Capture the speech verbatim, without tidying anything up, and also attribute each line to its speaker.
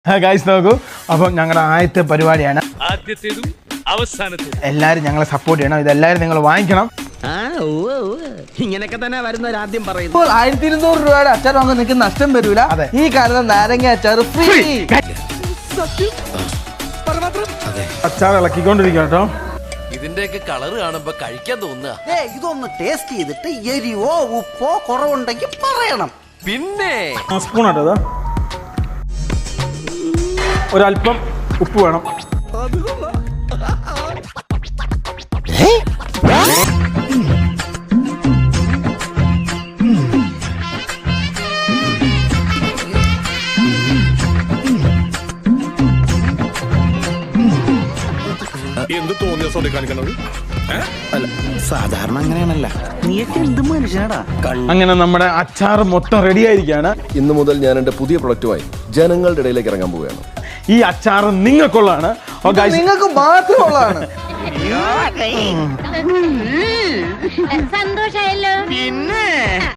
Speaker 1: Guys നോക്കൂ, അപ്പം ഞങ്ങളുടെ ആദ്യത്തെ പരിപാടിയാണ്.
Speaker 2: ആദ്യത്തേതും അവസാനത്തേതും
Speaker 1: എല്ലാവരും ഞങ്ങളെ സപ്പോർട്ട് ചെയ്യണം. ഇതെല്ലാവരും നിങ്ങൾ വാങ്ങിക്കണം.
Speaker 3: ഇങ്ങനെയൊക്കെ തന്നെ വരുന്നവർ ആദ്യം പറയുന്നു.
Speaker 4: ഇപ്പോൾ ആയിരത്തി ഇരുന്നൂറ് രൂപയുടെ അച്ചാർ വാങ്ങാൻ നിങ്ങൾക്ക് നഷ്ടം വരൂല.
Speaker 1: അതെ.
Speaker 4: ഈ കാണുന്ന നാരങ്ങ അച്ചാർ ഫ്രീ.
Speaker 1: അച്ചാർ ഇളക്കിക്കൊണ്ടിരിക്കുക കേട്ടോ.
Speaker 5: ഇതിന്റെയൊക്കെ കളറ് കാണുമ്പോ കഴിക്കാൻ തോന്നുക.
Speaker 3: ഇതൊന്ന് ടേസ്റ്റ് ചെയ്തിട്ട് എരിവോ ഉപ്പോ കുറവുണ്ടെങ്കിൽ പറയണം.
Speaker 5: പിന്നെ
Speaker 1: സ്പൂൺ ആട്ടോ ഇതാ. ഒരല്പം ഉപ്പ് വേണം.
Speaker 2: എന്ത് തോന്നിയ സോറി കാണിക്കണത്?
Speaker 3: സാധാരണ അങ്ങനെയാണല്ല. നീയൊക്കെ എന്ത് മനുഷ്യനാടാ.
Speaker 1: അങ്ങനെ നമ്മുടെ അച്ചാർ മൊത്തം റെഡി ആയിരിക്കുകയാണ്.
Speaker 6: ഇന്നു മുതൽ ഞാൻ എൻ്റെ പുതിയ പ്രൊഡക്റ്റുമായി ജനങ്ങളുടെ ഇടയിലേക്ക് ഇറങ്ങാൻ പോവുകയാണ്.
Speaker 1: ഈ അച്ചാർ നിങ്ങൾക്കുള്ളതാണ്.
Speaker 4: നിങ്ങൾക്ക് മാത്രമുള്ളതാണ്.
Speaker 7: സന്തോഷം.